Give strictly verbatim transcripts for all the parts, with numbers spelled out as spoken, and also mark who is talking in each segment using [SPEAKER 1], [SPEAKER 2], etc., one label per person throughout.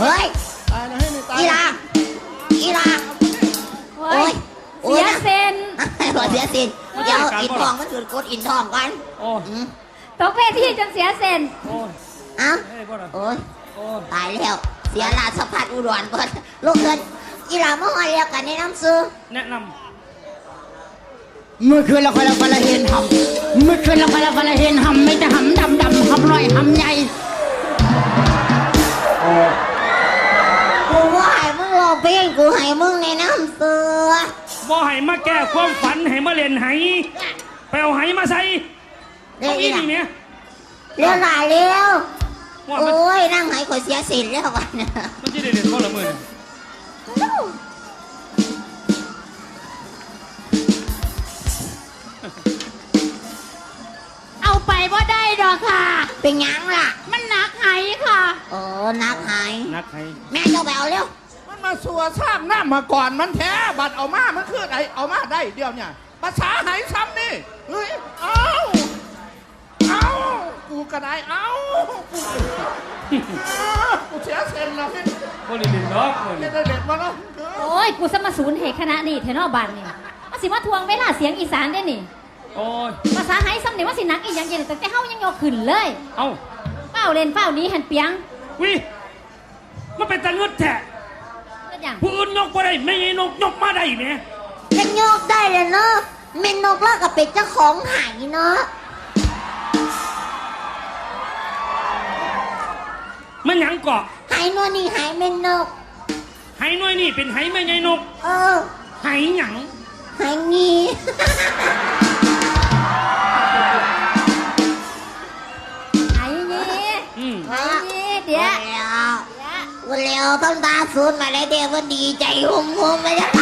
[SPEAKER 1] เฮ้ย
[SPEAKER 2] ตายนะให้นี่ตาย
[SPEAKER 1] อีลาอีลาโอ้ย
[SPEAKER 3] เสียเซน
[SPEAKER 1] หัวเสียสินเดี๋ยวอินทองมันถือกดอินทองกัน
[SPEAKER 2] โอ้
[SPEAKER 3] ตกเวทีจนเสียเซน
[SPEAKER 2] โอ้ย
[SPEAKER 1] เอ้า
[SPEAKER 2] เฮ้ยพ่อนะ
[SPEAKER 1] โอ้ย
[SPEAKER 2] โอ้ย
[SPEAKER 1] ตายแล้วเสียราชพัฒอุดรเปิดลูกเกินอีหลาเมื่อวานเรียกกันในน้ำซื้อ
[SPEAKER 2] แนะน
[SPEAKER 4] เมื่อคืนเราคนละคนละเห็นหำเมื่อคืนเราคนละคนละเห็นหำไม่แต่หำดำดำหำน้อยหำใหญ่
[SPEAKER 1] กูว่าให้มึงลองเพลงกูให้มึงในน้ำซื้อ
[SPEAKER 2] ำบ่ให้มาแก้ความฝันให้มาเล่นไหไปเอาไหมาใส่
[SPEAKER 1] เร็
[SPEAKER 2] เอา
[SPEAKER 1] ว
[SPEAKER 2] อี
[SPEAKER 1] อีหลา
[SPEAKER 2] นี่เนี่ย
[SPEAKER 1] เร็วหลาเร็ว
[SPEAKER 2] ว่า
[SPEAKER 1] โอ
[SPEAKER 2] มัน้
[SPEAKER 1] ยนั่งให้ข่อยเสียสินแล้ววันนี้
[SPEAKER 2] มันจะได้เล่นบ่ละมือเนี่ย
[SPEAKER 3] เอาไปว่าได้ดอกค่ะ
[SPEAKER 1] เป็นยังล่ะ
[SPEAKER 3] มันหนักไหค่ะ
[SPEAKER 1] โอ้นักหาย
[SPEAKER 2] นักไห
[SPEAKER 1] แม่เจ้าไปเอาเร็ว
[SPEAKER 5] มันมาสัวซ้ำหน้ามาก่อนมันแท้บัดเอามามันคือไอเอามาได้เดียวเนี่ยภาษาไหนซ้ำนี่เฮ้ยเอาเอากูกระไดเอากูกูเสียเซนแล้วพี่
[SPEAKER 2] บ่ได้เล่นดอกมือ
[SPEAKER 5] เด็
[SPEAKER 2] เนี่ย
[SPEAKER 5] ดเด็ดมาแล้ว
[SPEAKER 3] โอ้ย กูสมาศูนย์เหตุคณะนี่เทนอบันนี่มาสิมาทวงเวลาเสียงอีสานได้นี่
[SPEAKER 2] โอ้ย
[SPEAKER 3] ภาษาไฮซ้ำเนี่ยว่าสิหนักอีกอย่างเย็นแต่แต่เฮายังยกขึ้นเลย
[SPEAKER 2] เอ้า
[SPEAKER 3] เป้าเล่นเป้านี้หันเปียง
[SPEAKER 2] วิมันเป็นตะงึดแท้
[SPEAKER 3] ก็อย่าง
[SPEAKER 2] ผู้อื่นยกบ่ได้ไม่ให้นกยกมาได้แหม
[SPEAKER 1] จะโยกได้เลยเนาะเมนนกเลิกกับเป็ดเจ้าของหายเนาะ
[SPEAKER 2] มันหยังเกาะ
[SPEAKER 1] หายนวลนี่หายเมนนก
[SPEAKER 2] ไหน้อยนี่เป็นไหแม่ใหญ่นก
[SPEAKER 1] เออ
[SPEAKER 2] ไหหยัง
[SPEAKER 1] หายงี
[SPEAKER 3] ไอ้นี่
[SPEAKER 2] อืม
[SPEAKER 3] ไอ้นี่เดี๋ยว
[SPEAKER 1] แล้ววันแล้วต้องตาสูนมาเลยเดี๋ยววันดีใจหุ่มหุ่มไปจ้ะ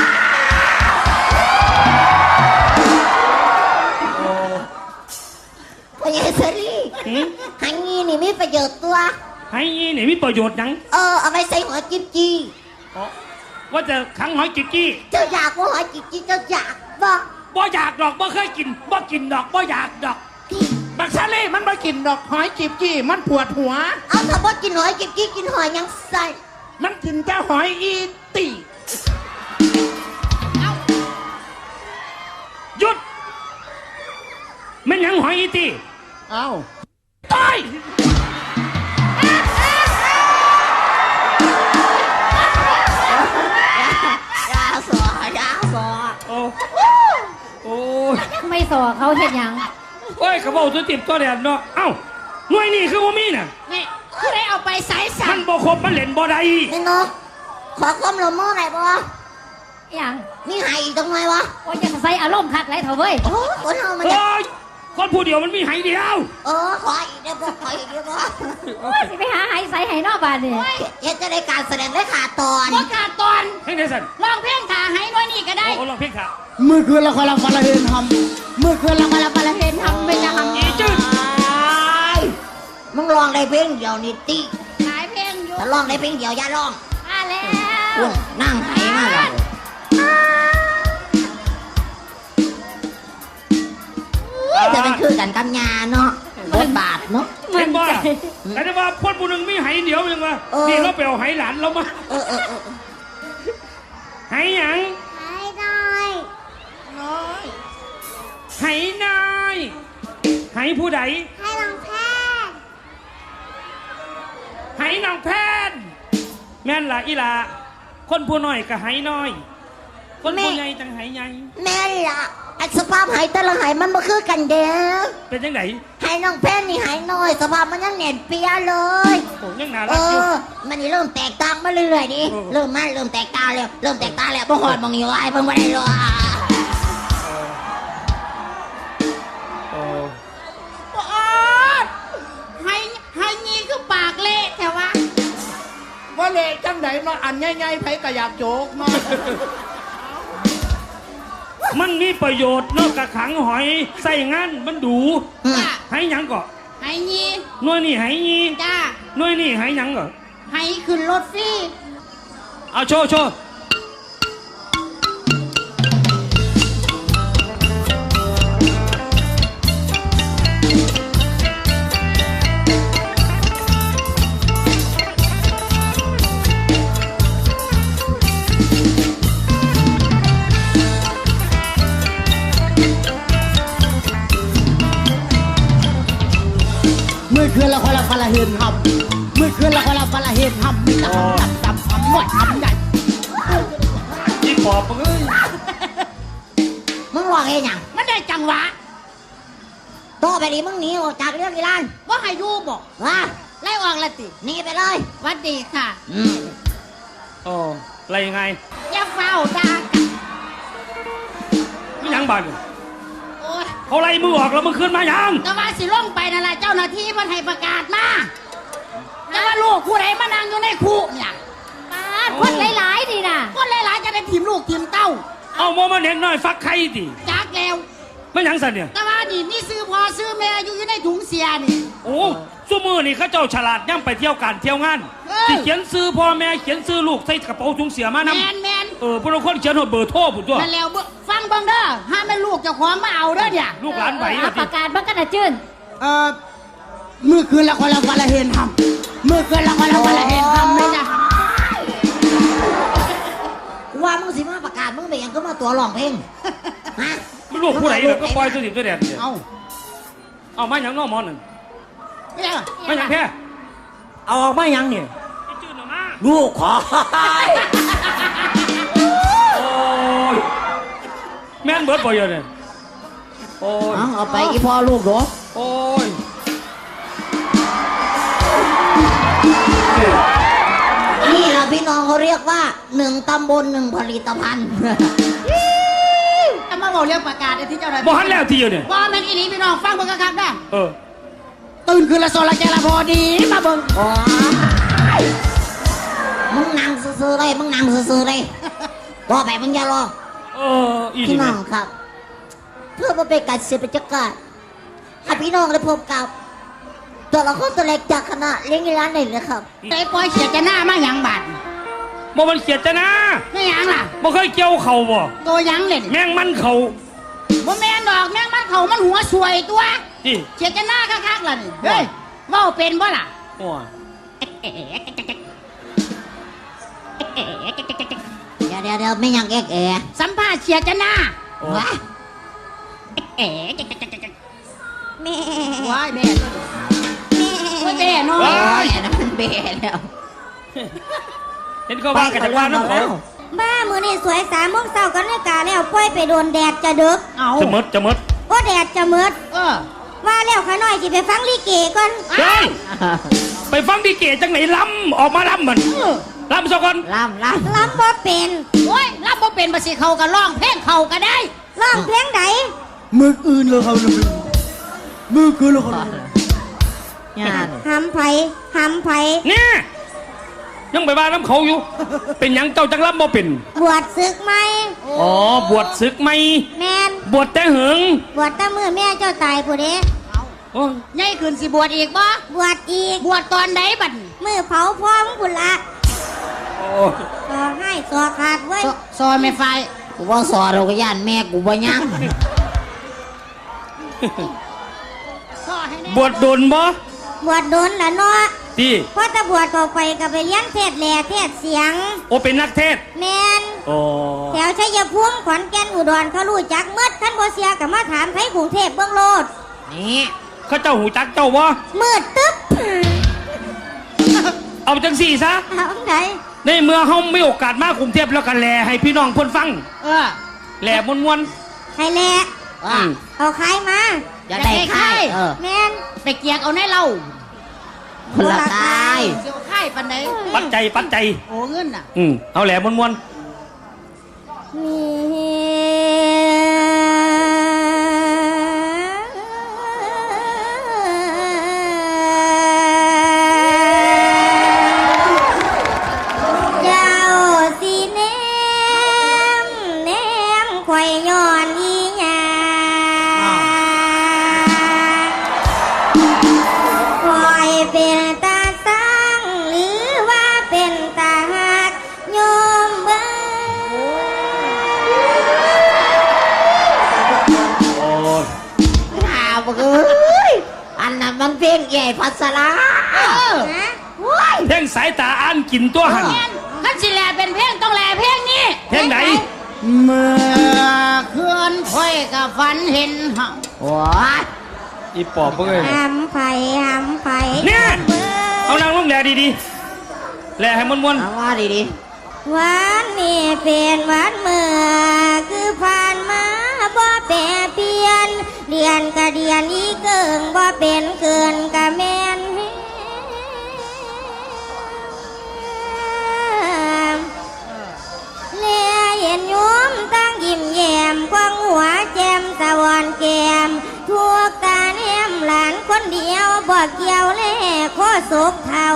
[SPEAKER 1] พญาสรี
[SPEAKER 2] หืม
[SPEAKER 1] หายงีนี่มีประโยชน์ตัว
[SPEAKER 2] ไหนี่นี่มีประโยชน์หยัง
[SPEAKER 1] เออเอาไปใส่หัวจิ๊บจี
[SPEAKER 2] อ๋อว่าจะขังหอยจิกกี้
[SPEAKER 1] เจ้าอยากว่าหัวจิ๊บจีเจ้าอยากบ่
[SPEAKER 2] บ่อยากดอกบ่เคยกินบ่กินดอกบ่อยากดอก
[SPEAKER 5] บักซาเล่มันมากินดอกหอยจีบจี้มันปวดหัว
[SPEAKER 1] เอาถ้าบ่กินหัวจิ๊บจีกินหัวยังใส่
[SPEAKER 5] มันกินแต่หอยอีตี
[SPEAKER 2] หยุดมันหยังหอยอีตี
[SPEAKER 5] เอา
[SPEAKER 2] ตาย
[SPEAKER 1] ดาสอดาสอ
[SPEAKER 2] โอ้โอ้ย
[SPEAKER 3] ไม่สอเขาเห็นยัง
[SPEAKER 2] โอ้ยกระเป๋าตัวติบตัวแดดเนาะเอ้าหน่วยนี่คือว่ามีน่ะ
[SPEAKER 3] นี่คือได้เอาไปใส่สั
[SPEAKER 2] มันบ่ครบมันเล่นบ่ได้
[SPEAKER 1] เมนนกขอความร่วมมือหน่อยบ่
[SPEAKER 3] อย่าง
[SPEAKER 1] มีหายอีกตรงไหนวะ
[SPEAKER 3] ว่าจะใส่อารมณ์คักไรเถอะเว้ย
[SPEAKER 1] โอ้คนเฮามันจะ
[SPEAKER 2] โอ้ยคนผู้เดียวมันมีไหเดียว
[SPEAKER 1] เออขออีกเดี๋ยวบ่ขออีกเดี๋ยวบ่
[SPEAKER 3] โอ้ยสิไปหาไฮใส่ไฮนอกบ้านนี่
[SPEAKER 1] เฮ็ดจะได้การแสดงได้ขาดตอน
[SPEAKER 3] ว่าขาดตอน
[SPEAKER 2] ให้ในสัน
[SPEAKER 3] ลองเพลงขาไฮน้อยนี่ก็ได้
[SPEAKER 2] โอ้ลองเพลงขา
[SPEAKER 4] เมื่อคืนเราคนละคนละเห็นหำเมื่อคืนเราคนละคนละเห็นหำไม่แต่หำ
[SPEAKER 2] อีจืด
[SPEAKER 1] มึงลองได้เพลงเดียวนี่ติ
[SPEAKER 3] หลายเพลงอยู่
[SPEAKER 1] ถ้าลองได้เพลงเดียวอย่าลอง
[SPEAKER 3] มาแล้ว
[SPEAKER 1] อุ้ยนั่งไหมาแล้วจะเป็นคือกันกับยาเนาะบทบาทเนาะ
[SPEAKER 2] เห็นบ่แต่ได้ว่าคนผู้หนึ่งมีไหเดียวยังวะ
[SPEAKER 1] เออ
[SPEAKER 2] นี่เราไปเอาไหหลานเรามา
[SPEAKER 1] เออเออเออ
[SPEAKER 2] ไหหยัง
[SPEAKER 1] ให้ได้
[SPEAKER 5] น้อย
[SPEAKER 2] ไหนายไหผู้ใด
[SPEAKER 1] ให้ลองแพทย์
[SPEAKER 2] ไหนางแพทย์แม่นล่ะอีหล่ะคนผู้น้อยก็ไหน้อย คนผู้ใหญ่จังไหใหญ่
[SPEAKER 1] แม่ล่ะอันสภาพหายแต่ละหายมันบ่คือกันเด้อ
[SPEAKER 2] เป็นจังไหน
[SPEAKER 1] หายน้องแพทย์นี่หายน้อย สภาพมันยังแน่นเปียเลย
[SPEAKER 2] โอ้ยังน่า
[SPEAKER 1] เอ
[SPEAKER 2] รักอยู่
[SPEAKER 1] อ มันนี่เริ่มแตกต่างมาเรื่อยๆดิ
[SPEAKER 2] เออ
[SPEAKER 1] เริ่มมาเริ่มแตกต่างแล้ว เริ่มแตกต่างแล้วบ่หอดมองอยู่ไอ้เพิ่งบ่ได้เลย
[SPEAKER 2] โอ้
[SPEAKER 3] โอ้ไฮไฮนี่คือปากเละแต่ว่า
[SPEAKER 5] ว่าเละจังไหนเนาะอันง่ายๆไผก็อยากโจกเนาะ
[SPEAKER 2] มันมีประโยชน์นอกจากขังหอยใส่งานมันดู
[SPEAKER 1] อืม
[SPEAKER 2] ไหหยังก่อ
[SPEAKER 3] ไฮนี่
[SPEAKER 2] หน่วยนี่ไหยี
[SPEAKER 3] จ้า
[SPEAKER 2] หน่วยนี่ไหหยังก่อ
[SPEAKER 3] ไฮขึ้นรถฟรี
[SPEAKER 2] เอาโชว์โชว์
[SPEAKER 4] คืนละคนละคนละเห็นหำเมื่อคืนละคนละคนละเห็นหำไม่จะหำดำดำหำน้อยหำใหญ่
[SPEAKER 2] อีปอบมึงเอ้ย
[SPEAKER 1] มึงว่าไงหยัง
[SPEAKER 3] มันได้จังหวะ
[SPEAKER 1] ต่อไปนี้มึงหนีออกจากเรื่องอีหลาน
[SPEAKER 3] ว่าให้อยู่บอก
[SPEAKER 1] ว่า
[SPEAKER 3] ไล่ออกละติ
[SPEAKER 1] หนีไปเลย
[SPEAKER 3] หวัดดีค่ะ
[SPEAKER 1] อืม
[SPEAKER 2] โอ้อะไรยังไง
[SPEAKER 3] อย่าเฝ้าด่ากัน
[SPEAKER 2] ไม่ยังบาด
[SPEAKER 3] โอ้ย
[SPEAKER 2] เขาไล่มือออกแล้วมึงขึ้นมายัง
[SPEAKER 3] แต่ว่าสิลงไปนั่นแหละเจ้าหน้าที่มันให้ประกาศมาแต่ว่าลูกผู้ใดมานั่งอยู่ในคุเนี่ยมาคนหลายๆดีนะคนหลายๆจะได้ทีมลูกทีมเต้า
[SPEAKER 2] เอาโมมาเด็กน้อยฟักไข่ดิ
[SPEAKER 3] จากแล้ว
[SPEAKER 2] ไม่ยังสันเนี่ย
[SPEAKER 3] แต่ว่านี่นี่ซื้อพอซื้อแม่อยู่อยู่ในถุงเสียนี่
[SPEAKER 2] โอ้ชั่วมือนี่เขาเจ้าฉลาดย่ำไปเที่ยวการเที่ยวงาน
[SPEAKER 3] เออ
[SPEAKER 2] ที่เขียนซื้อพ่อแม่เขียนซื้อลูกใส่กระเป๋าถุงเสียมา
[SPEAKER 3] แม
[SPEAKER 2] นำ
[SPEAKER 3] นแมน
[SPEAKER 2] เออพวกเราคนเขียนหมดเบอร์โทรผมตัว
[SPEAKER 3] นั่นแล้วเบิ่งฟังเบังเด้อห้ามแม่ลูกเจ้าของมาเอาเด้อเนี่ย
[SPEAKER 2] ลูกหลานไหว
[SPEAKER 3] เอาประกาศบังกันนะจื้น
[SPEAKER 4] เอ่อเมื่อคืนละคนละคนละเห็นหำเมื่อคืนละคนละคนละเห็นหำไม่จะห
[SPEAKER 1] กูว่ามึงสิมาประกาศมึงไปหยังก็มาตัวร้องเพลงฮะ
[SPEAKER 2] ไม่ลูกผู้ใดเลยก็ปล่อยตัวดิบตัวแดดเนี่ย
[SPEAKER 4] ำเอา
[SPEAKER 2] เอามาอย่างน้องหมอหนึ่ง
[SPEAKER 3] ไม่ใช่
[SPEAKER 2] มาอย่างแค่
[SPEAKER 6] เอาออกมายังเนี่ย
[SPEAKER 2] ไอ้จืดหน่อยมา
[SPEAKER 6] ลูกขอ
[SPEAKER 2] โอ้ยแม่นเบิร์ดบ่อยเนี่ยโอ้ย
[SPEAKER 1] เอาเอาไปอีพ่อลูกเหรอ
[SPEAKER 2] โอ้ย
[SPEAKER 1] นี่แหละพี่น้องเขาเรียกว่าหนึ่งตำบลหนึ่งผลิตภัณฑ์
[SPEAKER 3] จะมาบอกเรื่องประกาศไอ้ที่เจ้าหน้าที่
[SPEAKER 2] บ่หันแล้วทีเดียวเนี่ย
[SPEAKER 3] ว่าแม่นอีนี้พี่น้องฟังเบิ่งกันครับนะ
[SPEAKER 2] เออ
[SPEAKER 4] ตื่นคืนละโซละแกละพอดีมาเบิ่ง
[SPEAKER 1] อ๋อมึงนั่งซื่อๆเลยมึงนั่งซื่อๆเลยต่อไปมึงอย่ารอ
[SPEAKER 2] เอออี
[SPEAKER 1] พี่
[SPEAKER 2] นี่
[SPEAKER 1] น้
[SPEAKER 2] แม่
[SPEAKER 1] องครับ เพื่อมาเป็นการเสียบรรยากาศให้พี่น้องได้พบกับตัวละครตัวเล็กจากคณะเลี้ยงอีร้านหนึ่งเลยครับ
[SPEAKER 3] ใจปล่อยเขียดจะหน้ามาหยังบาด
[SPEAKER 2] บ่มันเขียดจะนะ
[SPEAKER 3] ไม่หยังล่ะ
[SPEAKER 2] บ่เคยเกี่ยวเข่าบ่
[SPEAKER 3] ตัวหยังเล่น
[SPEAKER 2] แม่งมันเข่า
[SPEAKER 3] บ่แม่นดอกแม่งมันเขามันหัวสวยตัว
[SPEAKER 2] ที่
[SPEAKER 3] เขียดจะหน้าคักๆล่ะนี่เฮ้ยเว้าเป็นบ่ล่ะ
[SPEAKER 2] โอ้ย
[SPEAKER 1] เดี๋ยวเดี๋ยวเดี๋ยวไม่ยังแอกแอ
[SPEAKER 3] สัมภาษณ์เขียดจะหน้า
[SPEAKER 2] โอ้
[SPEAKER 1] วะ
[SPEAKER 3] เอ๋
[SPEAKER 1] แม่
[SPEAKER 3] ว้ายแม่ไม่แม่น้อย
[SPEAKER 2] ว้าย
[SPEAKER 1] แม่นะมันเบะแล้ว
[SPEAKER 2] เห็นเขาว่ากันจากว่าน้ำเขา
[SPEAKER 7] บ้ามือนี่สวยสามโมงเช้ากันเลยกาแล้วปล่อยไปโดนแดดจะดึก
[SPEAKER 3] เอา
[SPEAKER 2] จะมดจะมด
[SPEAKER 7] ก็แดดจะมืด
[SPEAKER 3] เออ
[SPEAKER 7] ว่าแล้วขาน้อยสิไปฟังลิเกก่อน
[SPEAKER 2] เฮ้ยไปฟังดีเกจังไหนล้ำออกมาล้ำมันล้ำซะก่อน
[SPEAKER 1] ล่ำล่
[SPEAKER 7] ลำบ่เป็น
[SPEAKER 3] โอ้ยรับบ่เป็นบ่สิเขาก็ร้องเพลงเขาก็ได้
[SPEAKER 7] ร้องเพลงไหน
[SPEAKER 4] มืออื่นเลยเขาเลยมือคืนละคนละ
[SPEAKER 1] ำงาน
[SPEAKER 7] หำไผหำไผ
[SPEAKER 2] เนี่ยยังไปว่าน้ำเขาอยู่ เป็นหยังเจ้าจังล้ำบ่เป็น
[SPEAKER 7] บวชศึกไหม
[SPEAKER 2] อ๋อบวชศึกไหม
[SPEAKER 7] แมน
[SPEAKER 2] บวชแต่หึง
[SPEAKER 7] บวชแต่มือแม่เจ้าตายผู้เด้
[SPEAKER 2] โอ้ย
[SPEAKER 3] ใหญ่ขึ้นสิบวชอีกบ่
[SPEAKER 7] บวชอีก
[SPEAKER 3] บวชตอนไหนบัด
[SPEAKER 7] มือเผาพร้อมกุละ
[SPEAKER 2] โอ้ย
[SPEAKER 7] ต่อให้สอขาดไว้ย
[SPEAKER 3] ซอยไม่ไฟ
[SPEAKER 1] กูว่าสอนเราก็ย่านแม่กูบ่ยัง
[SPEAKER 3] ซอให้แน่
[SPEAKER 2] บวชโดนบ่
[SPEAKER 7] บวชโดนละเนาะ
[SPEAKER 2] ที่
[SPEAKER 7] พอตะบวชเข้าไปก็ไปเลี้ยงเทศแหล่เทศเสียง
[SPEAKER 2] โอเป็นนักเทศน์
[SPEAKER 7] แมน
[SPEAKER 2] โอ้
[SPEAKER 7] แถวชัยภูมิขอนแก่นอุดรเขารู้จักเมื่อท่านบ่เสียกับมาถามไทยกรุงเทพเบื้องโลด
[SPEAKER 1] นี่
[SPEAKER 2] เขาเจ้าหูจักเจ้าบ่
[SPEAKER 7] มืดตึ๊บ
[SPEAKER 2] เอาจังสี่ซะ
[SPEAKER 7] เอาไหน
[SPEAKER 2] ในเมื่อเฮาไม่โอกาสมากรุงเทพแล้วกันแลให้พี่น้องเพิ่นฟัง
[SPEAKER 3] เออ
[SPEAKER 2] แหล่มวน
[SPEAKER 7] ใครแหละ
[SPEAKER 2] ๆ
[SPEAKER 1] อ่ะ
[SPEAKER 2] อืม
[SPEAKER 7] เอาใครมา
[SPEAKER 1] อยากได้ค่ายเออ
[SPEAKER 7] แมน
[SPEAKER 3] ไปเกียกเอาในเรา
[SPEAKER 1] คนละค่าย
[SPEAKER 3] เสียวค่ายปันไหน
[SPEAKER 2] ปัจจัยปัจจัย
[SPEAKER 3] โอ้เงินน่ะ
[SPEAKER 2] อืมเอาแหล่มวน
[SPEAKER 7] มีเจ้าสีแนมแนมข่อยย้อนอีหยังข่อยเป็นตาสังหรือว่าเป็นตาหักโยมเบิ่ง
[SPEAKER 2] ๆโอ้ย
[SPEAKER 1] ข่าวบอกเอ้ยอันนั้นมันเพลงใหญ่พัสลา
[SPEAKER 3] เออ
[SPEAKER 7] นะ
[SPEAKER 2] เพ่งสายตาอ่านกินตัวหัน
[SPEAKER 3] แม่นท่านสิแลเป็นเพลงต้องแลเพลงนี้
[SPEAKER 2] เพ่งไหน
[SPEAKER 3] เมื่อคืนค่อยกับฝันเห็นเฮา
[SPEAKER 1] โอ้ย
[SPEAKER 2] อีปอบเอ้ย
[SPEAKER 7] หำไผ่หำไผ่
[SPEAKER 2] เนี่ย
[SPEAKER 7] เมื่อ
[SPEAKER 2] เอานางลงแหล่ดีๆแหล่ให้ม้วน
[SPEAKER 6] เอาว่าดี
[SPEAKER 7] วันนี้เป็นวันเมื่อคือผ่านมาบ่แปรเปลี่ยนเดือนก็เดือนอีเกิงบ่เป็นเกินก็แม่นเลียเห็นโยมตั้งยิ้มแย้มควงหัวแจ่มสะวอนแก้มทั่วการแอมหลานคนเดียวบ่เกี่ยวแลโคศกเท่า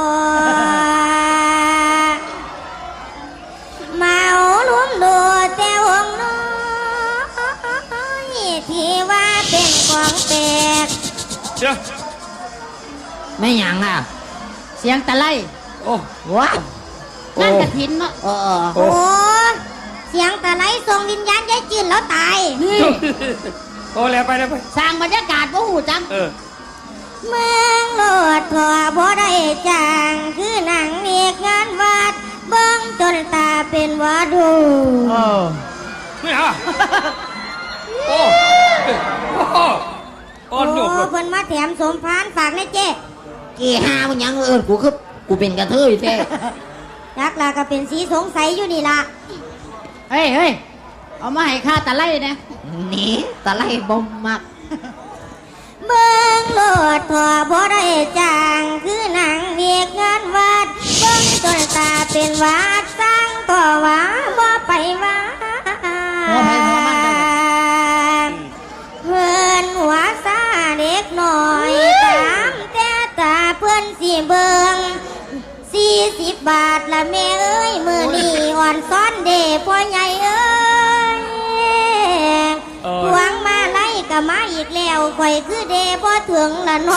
[SPEAKER 7] เมาลุ้มดูแต่วงน้อยที่ว่าเป็นของแปลก
[SPEAKER 2] ๆเดี๋ยว
[SPEAKER 6] ๆไม่หยังอ่ะ
[SPEAKER 3] เสียงตะไล
[SPEAKER 2] โอ้
[SPEAKER 6] ว้า
[SPEAKER 3] นั่นกระถินเนาะ
[SPEAKER 6] เออเออ
[SPEAKER 7] โอ้เสียงตะไลส่งวิญญาณยายจืนแล้วตาย
[SPEAKER 3] นี่
[SPEAKER 2] โอ้แล้วไปแล้วไป
[SPEAKER 3] สร้างบรรยากาศบ่หูจัง
[SPEAKER 2] เออ
[SPEAKER 7] เมืองโลดพอบ่ได้จางคือหนังเอกงานวัดเบิ่งจนตาเป็นวาดู
[SPEAKER 6] เออ
[SPEAKER 2] ไม่เอาโอ้โอ้อ่
[SPEAKER 7] โอ้
[SPEAKER 2] อนโยกเลย
[SPEAKER 7] เพิ่นมาแถมสมพานฝากในเจ๊
[SPEAKER 6] กี่หามันหยังเอิญกูคือกูเป็นกระเทยแท้
[SPEAKER 7] ยักษ์ลาก็เป็นสีสงสัยอยู่นี่ล่ะ
[SPEAKER 3] เฮ้ยเฮ้ยเอามาให้ข้าตะไลนะ
[SPEAKER 6] หนีตะไลบ่มัก
[SPEAKER 7] เบิ่งโลดพอบ่ได้จางคือหนังเอกงานวัดเบิ่งจนตาเป็นวาดสร้างต่อว่าบ่ไปว่า
[SPEAKER 3] หัวไผหัวมันเด้อ
[SPEAKER 7] เพื่อนหัวซาเด็กหน่อยตามแต่ตาเพื่อนสิเบิงสี่สิบบาทละแม่เอ้ยมือนี่อ่อนซ้อนเด้พ่อใหญ่เอ้ย
[SPEAKER 2] เออ
[SPEAKER 7] หวงมาไล่ก็มาอีกแล้วข่อยคือเด้พ่อถึงละเน้อง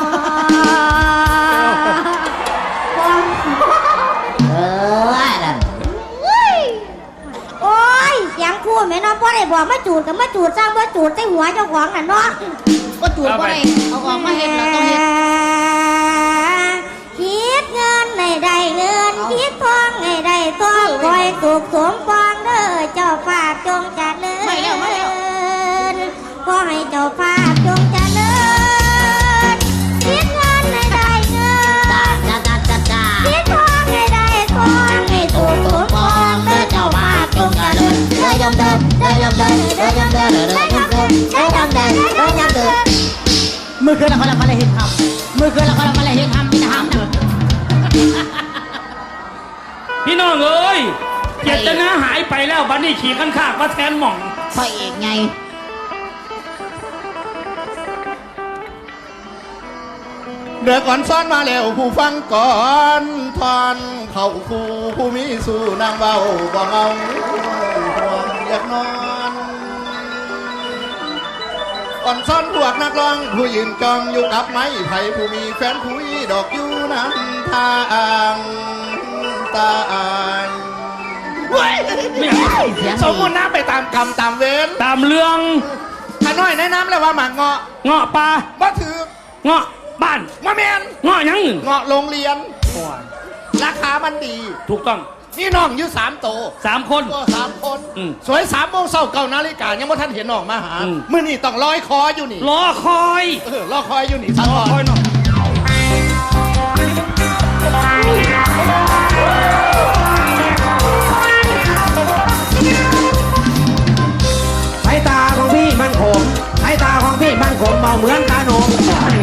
[SPEAKER 6] เออว่านั่น
[SPEAKER 7] โอ้ยเสียงคู่แม่น้องพ่อได้บอกมาจูดกับมาจูดสร้างมาจูดใส่หัวเจ้าของน่ะเนาะ
[SPEAKER 3] ก็จูดบ่ได้เอาออกมาเฮ็ดแล้วต้องเฮ็ด
[SPEAKER 7] คิดเงินในได้เงินคิดทองในได้ทองคอยสุขสมปองเด้อเจ้าภาพจงเจัดเลย
[SPEAKER 3] ไม่แล้วไม่แล้ว
[SPEAKER 7] ขอให้เจ้าภาพจงเจัดเลยคิดเงินในได้เงิน
[SPEAKER 6] จ้าจ้าจ้าจ้าจ้า
[SPEAKER 7] คิดทองในได้ทองให้สุขสมปองเด้อเจ้าภาพจงเจัดเลยเด้อยมเดินเด้อยมเดินเด้อยมเดินเด้อยมเดินเด้อยมเดินเด้อยมเดิน
[SPEAKER 3] มือคืนละคนละมาเลยเห็นทำมือคืนละคนละมาเลยเห็นทำมีแต่ทำนะ
[SPEAKER 2] พี่น้องเอ้ยเจตนาหายไปแล้วบัดนี้ขี่ขันขากมาแทนหม่อง
[SPEAKER 6] พ่อเอกไง
[SPEAKER 5] เดือก่อนซ้อนมาแล้วผู้ฟังก่อนทอนเข้าคู่ผู้มีสู่นางเบาบ่เงาห่วงอยากนอนก่อนซ้อนพวกนักร้องผู้ยืนจองอยู่กับไม้ไผ่ผู้มีแฟนคุยดอกอยู่น้ำทางตาอายเว้ย
[SPEAKER 2] ไม่เอา
[SPEAKER 6] เสียง
[SPEAKER 5] สมมุติน้ำไปตามกรรมตามเวร
[SPEAKER 2] ตามเรื่อง
[SPEAKER 5] ข้าน้อยแนะนำเลยว่าหมากเงาะ
[SPEAKER 2] เงาะปลา
[SPEAKER 5] บ่ถือ
[SPEAKER 2] เงาะบ้าน
[SPEAKER 5] มาแมน
[SPEAKER 2] เงาะหยัง
[SPEAKER 5] เงาะโรงเรียน ราคามันดี
[SPEAKER 2] ถูกต้อง
[SPEAKER 5] นี่น้องอยู่สามโต
[SPEAKER 2] สามคน
[SPEAKER 5] ก็สามคน
[SPEAKER 2] อืม
[SPEAKER 5] สวยสามโมงเช้าเก้านาฬิกายังว่าท่านเห็นน้องมาหา
[SPEAKER 2] อืม
[SPEAKER 5] มื่อนี่ต้องลอยคออยู่นี่
[SPEAKER 2] รอคอย
[SPEAKER 5] เออรอคอยอยู่นี่สัก
[SPEAKER 2] รอ
[SPEAKER 5] ก่อน
[SPEAKER 2] คอยหน่อย
[SPEAKER 6] สายตาของพี่มันขมสายตาของพี่มันขมเมาเหมือนกาโหนง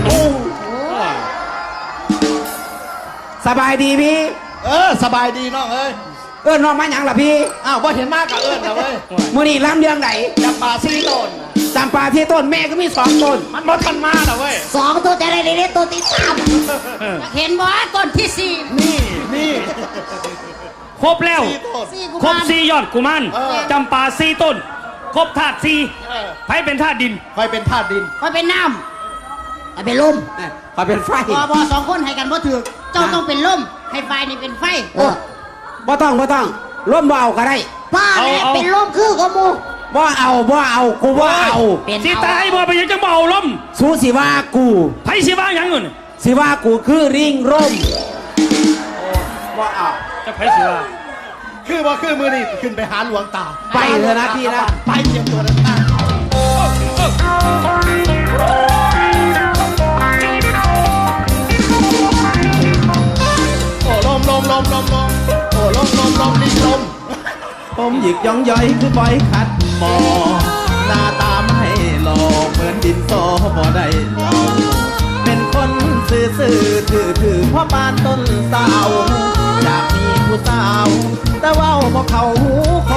[SPEAKER 6] สบายดีพี่
[SPEAKER 5] เออสบายดีน้องเอ้ย
[SPEAKER 6] เอิ้นน้องมาหยังล่ะพี่
[SPEAKER 5] อ้าวว่าเห็นมากกับเอิญนะเว้ย
[SPEAKER 6] มื้อนี้ล้ำเรื่องไหน
[SPEAKER 5] จำปาซีต้นน่ะ
[SPEAKER 6] จำปาที่ต้นแม่ก็มีสองต้น
[SPEAKER 5] มันบ่ทันมานะเว้ย
[SPEAKER 6] สองต้นแต่อะไรเนี่ยต้นที่สาม
[SPEAKER 2] เออ
[SPEAKER 3] เห็นบ่ต้นที่สี่
[SPEAKER 5] นี่นี่
[SPEAKER 2] ครบแล้ว
[SPEAKER 5] ซีต้น
[SPEAKER 3] สี่กุ
[SPEAKER 2] ครบ
[SPEAKER 3] มาร
[SPEAKER 2] สี่ยอดกุมาร
[SPEAKER 5] เออ
[SPEAKER 2] จำปาสี่ต้น ครบธาตุสี่
[SPEAKER 5] เออ
[SPEAKER 2] ไผเป็นธาตุดิน
[SPEAKER 5] คอยเป็นธาตุดิน
[SPEAKER 3] คอยเป็นน้
[SPEAKER 6] เอาเป็นลมขอเป็นไฟ
[SPEAKER 3] ำบอบอสองคนให้กันบ่ถือเจ้าต้องเป็นลมให้ไฟนี่เป็นไฟ
[SPEAKER 6] เออบ่ต้องบ่ต้องลมบ่เอาก็ได้
[SPEAKER 1] ป้าแม่
[SPEAKER 2] เอาเอา
[SPEAKER 1] เป็นลมคือกับหมู
[SPEAKER 6] บ่เอาบ่เอากูบ่เอา
[SPEAKER 3] เป็น
[SPEAKER 2] สิ
[SPEAKER 3] เอา
[SPEAKER 2] ตายบ่ไปยังจังเบาลม
[SPEAKER 6] สู้สิว่ากู
[SPEAKER 2] ไผสิว่าหยังเงิน
[SPEAKER 6] สิว่ากูคือริงร่มบ่เอา
[SPEAKER 2] จะไผสิว่า
[SPEAKER 5] คือว่าคือมือนี่ขึ้นไปหาหลวงตา
[SPEAKER 6] ไปเถอะนะพี่นะ
[SPEAKER 5] ไปเตรียมตัวนะ
[SPEAKER 8] ผมหยิกย่องย่อยคือบ่อยขัดหมอหน้าตาไม่หล่อเหมือนดินโซบ่ได้หล่อเป็นคนซื่อซื่อถือถือพ่อปานต้นสาวอยากมีผู้สาว แต่เว่าบ่เข้าหูคน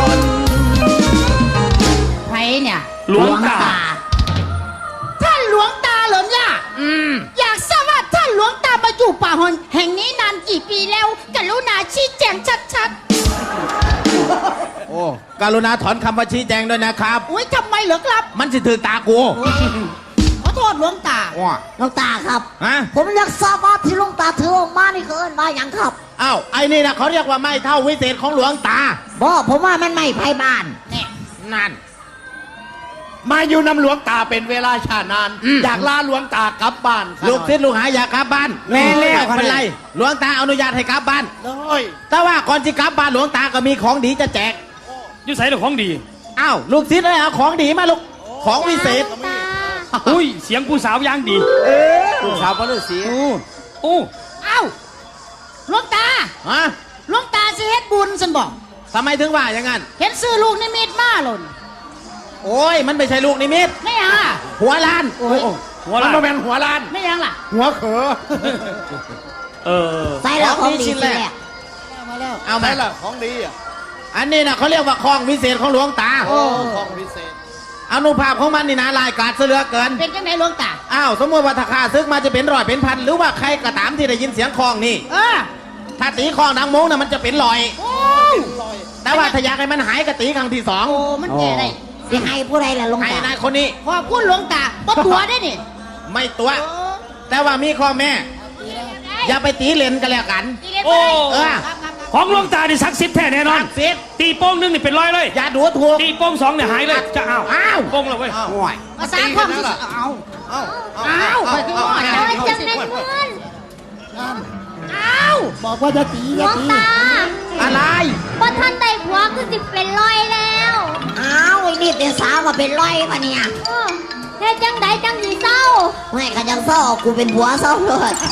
[SPEAKER 3] ไผเนี่ย
[SPEAKER 2] หลวงตา
[SPEAKER 3] ท่านหลวงตาเหรอเนี่ย
[SPEAKER 4] อืม
[SPEAKER 3] อยากทราบว่าท่านหลวงตามาอยู่ป่าหอนแห่งนี้นานกี่ปีแล้วกรุณาชี้แจงชัด
[SPEAKER 8] โอ้กรุณาถอนคำว่าชี้แจงด้วยนะครับ
[SPEAKER 3] ๆอุ้ยทำไมเหรอครับ
[SPEAKER 8] มันสิถือตากู
[SPEAKER 3] ขอโทษหลวงตา
[SPEAKER 8] ว้า
[SPEAKER 1] หลวงตาครับ
[SPEAKER 8] ฮะ
[SPEAKER 1] ผมอยากทราบว่าที่หลวงตาถือออกมานี่คือเอิ้นว่าหยังครับ
[SPEAKER 8] อ้าวไอ้นี่นะเขาเรียกว่าไม่เท่าวิเศษของหลวงตา
[SPEAKER 1] บ่ผมว่ามันไม่ไพ่บ้าน
[SPEAKER 8] นั่น
[SPEAKER 5] มาอยู่นำหลวงตาเป็นเวลาชานาน อยากลาหลวงตากลับบ้านซะหน่อย
[SPEAKER 8] ลูกศิษย์ลูกหาอยากกลับบ้าน
[SPEAKER 6] แม่แล้ว
[SPEAKER 8] ไม่เป็นไร หลวงตาอนุญาตให้กลับบ้าน
[SPEAKER 5] เลย
[SPEAKER 8] แต่ว่าก่อนที่กลับบ้านหลวงตาก็มีของดีจะแจก
[SPEAKER 2] อยู่ใส่หรือของดี
[SPEAKER 8] อ้าวลูกศิษย์เลยเอาของดีมาลูก ของวิเศษ
[SPEAKER 2] อุ้ยเสียงผู้สาวย่างดี
[SPEAKER 6] ลูกสาวพระฤาษี
[SPEAKER 2] โอ้
[SPEAKER 3] เอ้าหลวงตา
[SPEAKER 8] ฮะ
[SPEAKER 3] หลวงตาสิเฮ็ดบุญสันบอก
[SPEAKER 8] ทำไมถึงว่าอย่างนั้น
[SPEAKER 3] เห็นซื้อลูกนิมิตมาหล่น
[SPEAKER 8] โอ้ย มันไม่ใช่ลูกนิมิต
[SPEAKER 3] ไม่ยังอ่ะ
[SPEAKER 8] หัวล้าน
[SPEAKER 2] หัว
[SPEAKER 5] มัน
[SPEAKER 2] ละ
[SPEAKER 5] มาเป็นหัวล้าน
[SPEAKER 3] ไม่ยังล่ะ
[SPEAKER 5] หัวเขอ
[SPEAKER 2] เออ
[SPEAKER 1] ใส่แล้วของดีสิแหละ
[SPEAKER 8] เอา
[SPEAKER 5] ไหน
[SPEAKER 8] มา
[SPEAKER 5] ล่ะของดีอ่ะ
[SPEAKER 8] อันนี้นะเขาเรียกว่าของวิเศษของหลวงตา
[SPEAKER 5] โอ้ของพิเศษ
[SPEAKER 8] อนุภาพของมันนี่นะลายกาดเสือเกิน
[SPEAKER 3] เป็นจังไหนหลวงตา
[SPEAKER 8] อ้าว สมมติว่าถ้าข้าซึกมาจะเป็นร้อยเป็นพัน หรือว่าใครก็ตามที่ได้ยินเสียงคลองนี่
[SPEAKER 3] เออ
[SPEAKER 8] ถ้าตีคลองดังมงน่ะมันจะเป็นลอย
[SPEAKER 3] โอ้
[SPEAKER 8] แต่ว่าถ้าอยากให้มันหายก็ตีครั้งที่สอง
[SPEAKER 3] โอ้มันแก่ได้
[SPEAKER 1] สิให้ผู้ใดล่ะหลวง
[SPEAKER 8] ให้
[SPEAKER 1] ตา
[SPEAKER 8] นายคนนี้
[SPEAKER 3] ขอบคุณหลวงตาบ่ตัวได้นี่
[SPEAKER 8] ไม่ตัว แต่ว่ามีข้อแม่ อย่าไปตีเลนกันแล้วกัน
[SPEAKER 2] โอ้
[SPEAKER 8] เออ
[SPEAKER 2] ของหลวงตานี่ศักดิ์สิทธิ์แท้แน่นอน
[SPEAKER 8] ศักดิ์สิทธิ์
[SPEAKER 2] ตีโป้งหนึงนี่เป็นร้อยเลย
[SPEAKER 8] อย่าดูถูก
[SPEAKER 2] ตีโป้งสองเนี่ยหายเลยจะอ้าว
[SPEAKER 8] อ้าว
[SPEAKER 2] โป้งแล้วเว้ย
[SPEAKER 8] อ้าว
[SPEAKER 3] ภาษาความสุขเอา
[SPEAKER 8] อ้าว
[SPEAKER 3] อ้าวไปขึ้นหม้อ
[SPEAKER 7] โอ้ยจังแม่นเพื่อน
[SPEAKER 3] อ้าว
[SPEAKER 1] บอกว่าจะตี
[SPEAKER 7] หล
[SPEAKER 1] อย่าว
[SPEAKER 7] ง
[SPEAKER 1] ตี
[SPEAKER 7] ตา
[SPEAKER 8] อะไร
[SPEAKER 7] บ่ท่านได้ผัวคือสิเป็นร้อยแล้ว
[SPEAKER 1] อ้าวไอ้นี่เป็นสาวมาเป็นร้อยปะเนี่ย
[SPEAKER 7] เออเฮ็ดจังใดจังสิเศร้า
[SPEAKER 1] ไม่กันยังเศร้ากูเป็นผัวเศร้าเลย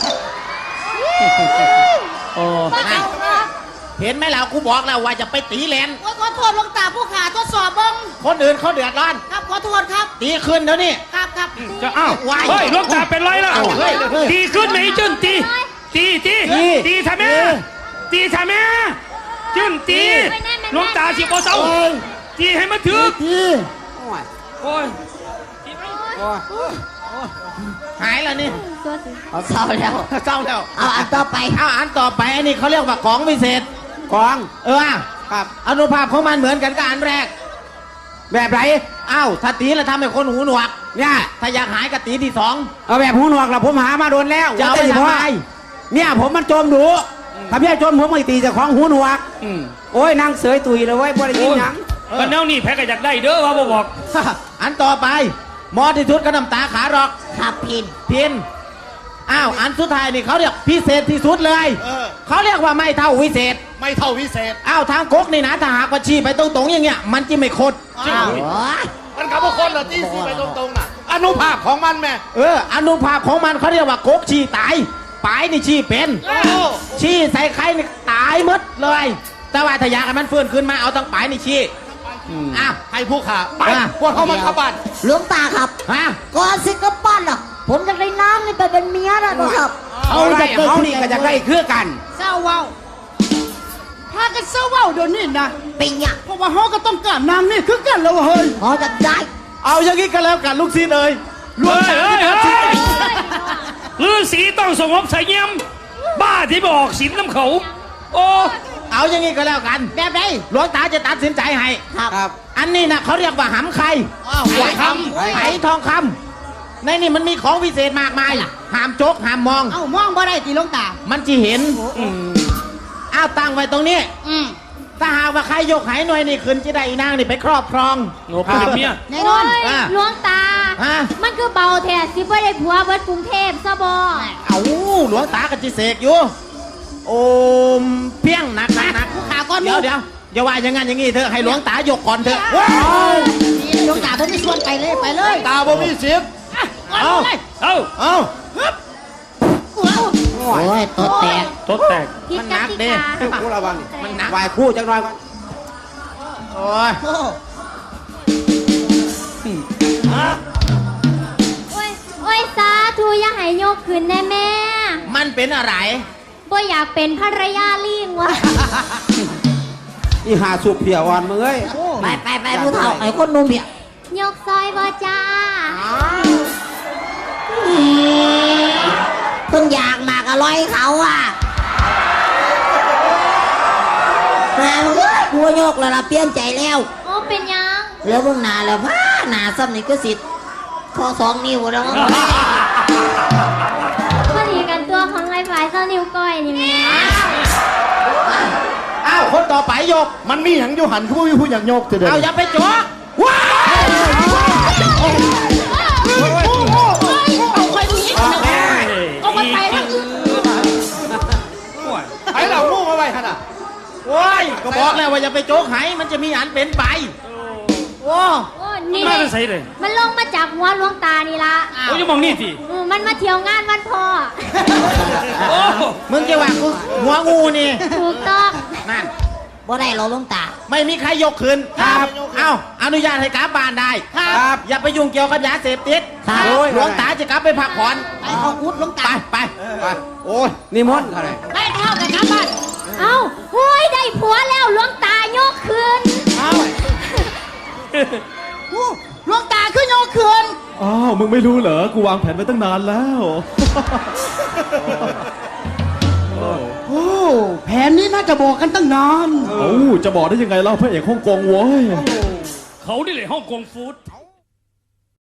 [SPEAKER 2] โอ้
[SPEAKER 7] บ่เอาเนาะ
[SPEAKER 8] เห็นไหมล่ะกูบอกแล้วว่าจะไปตีเลน
[SPEAKER 3] โอ้ยขอโทษหลวงตาผู้ขาทดสอบเบิ่ง
[SPEAKER 8] คนอื่นเขาเดือดร้อน
[SPEAKER 3] ครับขอโทษครับ
[SPEAKER 8] ตีขึ้นเดี๋ยวนี้
[SPEAKER 3] ครับครับ
[SPEAKER 2] จะอ้าว
[SPEAKER 8] วาย
[SPEAKER 2] เฮ้ยหลวงตาเป็นร้อยแล้ว
[SPEAKER 8] เฮ้ยเฮ้ย
[SPEAKER 2] ตีขึ้นไหมจุนตีตีตีตีทำไมตีทำไมจุนตีหลวงตาสิบ่เศร้าตีให้มันถึกโอ้ย
[SPEAKER 8] หายแล้วนี่
[SPEAKER 1] เอาเศร้าแล้ว
[SPEAKER 8] เศร้าแล้ว
[SPEAKER 1] เอาอันต่อไป
[SPEAKER 8] เอาอันต่อไปอันนี้เขาเรียกว่าของวิเศษ
[SPEAKER 6] ของ
[SPEAKER 8] เออครับอนุภาพของมันเหมือนกันกับอันแรก
[SPEAKER 6] แบบไหน
[SPEAKER 8] อ้าวถ้าตีแล้วทำให้คนหูหนวก
[SPEAKER 6] เนี่ย
[SPEAKER 8] ถ้าอยากหายก็ตีที่สอง
[SPEAKER 6] เอาแบบหูหนวกละผมหามาโดนแล้ว
[SPEAKER 8] จะเอาไป
[SPEAKER 6] ว่
[SPEAKER 8] ทำไม
[SPEAKER 6] เนี่ยผมมันจมดูถ้าพี่จมผมไม่ตีเจะของหูหนวก
[SPEAKER 2] อืม
[SPEAKER 6] โอ้ยนางเสยตุยเลยเว้ยบ่ได้ยินหยัง
[SPEAKER 2] กันแนวนี้แพ้ก็อยากได้เด้อว่าบ่บอก
[SPEAKER 8] อันต่อไปหมอที่สุดก็น้ำตาขาหรอก
[SPEAKER 1] ครับพิน
[SPEAKER 8] พินอ้าวอันสุดท้ายนี่เขาเรียกพิเศษที่สุดเลย
[SPEAKER 5] เออ
[SPEAKER 8] เขาเรียกว่าไม่เท่าวิเศษ
[SPEAKER 5] ไม่เท่าวิเศษ
[SPEAKER 8] อ้าวทางก๊กนี่นะถ้าหากว่าชี้ไปตรงๆอย่างเงี้ยมันจะไม่คด
[SPEAKER 5] อ้าว
[SPEAKER 1] โอ้ย
[SPEAKER 5] มันกับพวกคนละที่สีไปตรงๆน่ะ อนุภาพของมันแม่
[SPEAKER 8] เอออนุภาพของมันเขาเรียกว่าก๊กชี้ตายปลายนี่ชี้เป็น
[SPEAKER 5] โอ้
[SPEAKER 8] ชี้ใส่ใครนี่ตายหมดเลย แต่ว่าถ้าอยากให้มันฟื้นขึ้นมาเอาตั้งปลายนี่ชี้อ้าว
[SPEAKER 5] ให้ผู้ขาไป
[SPEAKER 8] อ่ะ
[SPEAKER 5] พวกเขามันขับบ้าน
[SPEAKER 1] หลวงตาครับ
[SPEAKER 8] ฮะ
[SPEAKER 1] ก่อนสิกลับบ้านล่ะ ผมจะได้น้ำนี่ไปเป็นเมียแล้วนะครับ
[SPEAKER 6] เอาได้เขานี่ก็จะได้คือกัน
[SPEAKER 3] เศร้าเว้าพากันเศร้าเว้าเดี๋ยวนี้นะ
[SPEAKER 1] เป็นหยัง
[SPEAKER 3] เพราะว่าเฮาก็ต้องการน้ำนี่คือกันแล้วเฮ้ย
[SPEAKER 1] พอจะได้
[SPEAKER 8] เอาอย่างนี้ก็แล้วกันลูกศิษย์เอ้ย
[SPEAKER 2] เฮ้ยเฮ้ยเฮ้ยฤาษีต้องสงบเสงี่ยมบ้าที่บอกศีลน้ำเขา โอ้
[SPEAKER 8] เอาอย่างนี้ก็แล้วกัน
[SPEAKER 3] แบบไหน
[SPEAKER 8] หลวงตาจะตัดสินใจให้
[SPEAKER 1] ครับ
[SPEAKER 6] ครับ
[SPEAKER 8] อันนี้นะเขาเรียกว่าหำไข่
[SPEAKER 5] อ้าว
[SPEAKER 8] ไห
[SPEAKER 5] ไหวค
[SPEAKER 8] ไหทองคำในนี่มันมีของวิเศษมากมายห้ามจกห้ามมอง
[SPEAKER 3] เอ้ามองบ่ได้ติหลวงตา
[SPEAKER 8] มันจะเห็นอ้าวตั้งไว้ตรงนี้
[SPEAKER 3] อืม
[SPEAKER 8] ถ้าหากว่าใครยกไหหน่วยนี่ขึ้นจะได้อีนางนี่ไปครอบครอง
[SPEAKER 2] โหเป็นเมีย
[SPEAKER 3] แน่นอน
[SPEAKER 7] โอ้ย
[SPEAKER 8] อ่ะ
[SPEAKER 7] หลวงตา
[SPEAKER 8] ฮะ
[SPEAKER 7] มันคือเบาแท้สิบ่ได้ผัวเบิดกรุงเทพซะบ่
[SPEAKER 8] เอาหลวงตากับจิเสกอยู่ โอมเพียงหนักหนักหนัก
[SPEAKER 3] ผู้ขาก้อนห
[SPEAKER 8] เดี๋
[SPEAKER 3] มู
[SPEAKER 8] ยวเดี๋ยวอย่าว่าอย่างงั้นอย่างงี้เถอะให้หลวงตายกก่อนเถอะ
[SPEAKER 3] หลวงตาผมมีส่วนไปเลยไปเลย
[SPEAKER 5] ตาบ่มีสิทธิ์
[SPEAKER 3] อ่ะก่อนเลย
[SPEAKER 2] เอ้า
[SPEAKER 8] เอา
[SPEAKER 3] โอ้ย
[SPEAKER 1] โอ้ยตัวแตก
[SPEAKER 2] ทดแตก
[SPEAKER 7] ผิด
[SPEAKER 8] มัน
[SPEAKER 7] ก
[SPEAKER 8] หนัก
[SPEAKER 7] ติ
[SPEAKER 8] เด้
[SPEAKER 7] กา
[SPEAKER 6] กูระวัง
[SPEAKER 8] มันหนัก
[SPEAKER 6] ไหวคู่จังหน่อยก่อน
[SPEAKER 4] โอ้ย
[SPEAKER 1] โอ้
[SPEAKER 7] โอ้ยโอ้ยสาธุอย่าให้ยกขึ้นแน่แม่
[SPEAKER 4] มันเป็นอะไร
[SPEAKER 7] บ่อยากเป็นภรรยาลิงวะ
[SPEAKER 6] อีหาสุกเพียวอ่อนมึงเอ้ย
[SPEAKER 1] ไปไปไปผู้เฒ่าไอ้คนหนุ่มเนี่ย
[SPEAKER 7] ยกซอยบ่จ้า
[SPEAKER 1] เพิ่งอยากมากอร่อยเขาอ่ะแม่มึงเอ้ยกูโยกแล้วล่ะเปลี่ยนใจแล้ว
[SPEAKER 7] โอ้เป็นยัง
[SPEAKER 1] แล้วเบิ่งหน้าแล้วพ้าหน้าซ้ำนี่ก็สิคอสองนิ้วแล้ว
[SPEAKER 7] พอดีกันตัวของไรฝ่ายเจ้านิ้วก้อยนี่แม่
[SPEAKER 4] อ้าวคนต่อไปยก
[SPEAKER 5] มันมีหยังอยู่หันเขาไม่มีผู้หยังโยกเถอะเด้
[SPEAKER 4] เอาอย่าไปจ๊กว้าวเอาใครดูยิ่งเอาไปไปทางอื่น
[SPEAKER 5] ไอ้เหล่างูมาไว้ขนาด
[SPEAKER 4] โอ้ยก็บอกแล้วว่าอย่าไปโจ๊กไหมันจะมีอันเป็นไปโอ้
[SPEAKER 7] โอ้นี่
[SPEAKER 2] มาจะใส่เลย
[SPEAKER 7] มันลงมาจากหัวหลวงตานี่ละ
[SPEAKER 2] โอ้ยมองนี่สิ
[SPEAKER 7] อืมมันมาเที่ยวงานวันพ่อ
[SPEAKER 2] โอ้
[SPEAKER 4] มึงจะว่ากูหัวงูนี่
[SPEAKER 7] ถูกต้อง
[SPEAKER 4] นั่น
[SPEAKER 1] บ่ได้หรอกหลวงตา
[SPEAKER 4] ไม่มีใครยกคืนครับเอ้าอนุญาตให้กลับบ้านได้ครับอย่าไปยุ่งเกี่ยวกับยาเสพติด
[SPEAKER 1] ครับ
[SPEAKER 4] โอ้ยหลวงตาจะกลับไปพักผ่อน
[SPEAKER 1] ไปเอาอุดหลวง
[SPEAKER 4] ไป
[SPEAKER 1] ตา
[SPEAKER 4] ไปไปโอ้ย
[SPEAKER 6] นิมนต์อะไร
[SPEAKER 3] ไม่เท่ากับกลับบ้าน
[SPEAKER 7] เอ้าโอ้ยได้ผัวแล้วหลวงตายกคืน
[SPEAKER 3] หลวงตาขึ้นโยกคืน
[SPEAKER 8] อ้าว มึงไม่รู้เหรอ กูวางแผนไว้ตั้งนานแล้ว
[SPEAKER 4] โอ้แผนนี้น่าจะบอกกันตั้งนาน
[SPEAKER 8] โอ้าจะบอกได้ยังไงเล่าพระเอกฮ่องกงโว้ย
[SPEAKER 2] เขานี่เลยฮ่องกงฟู้ด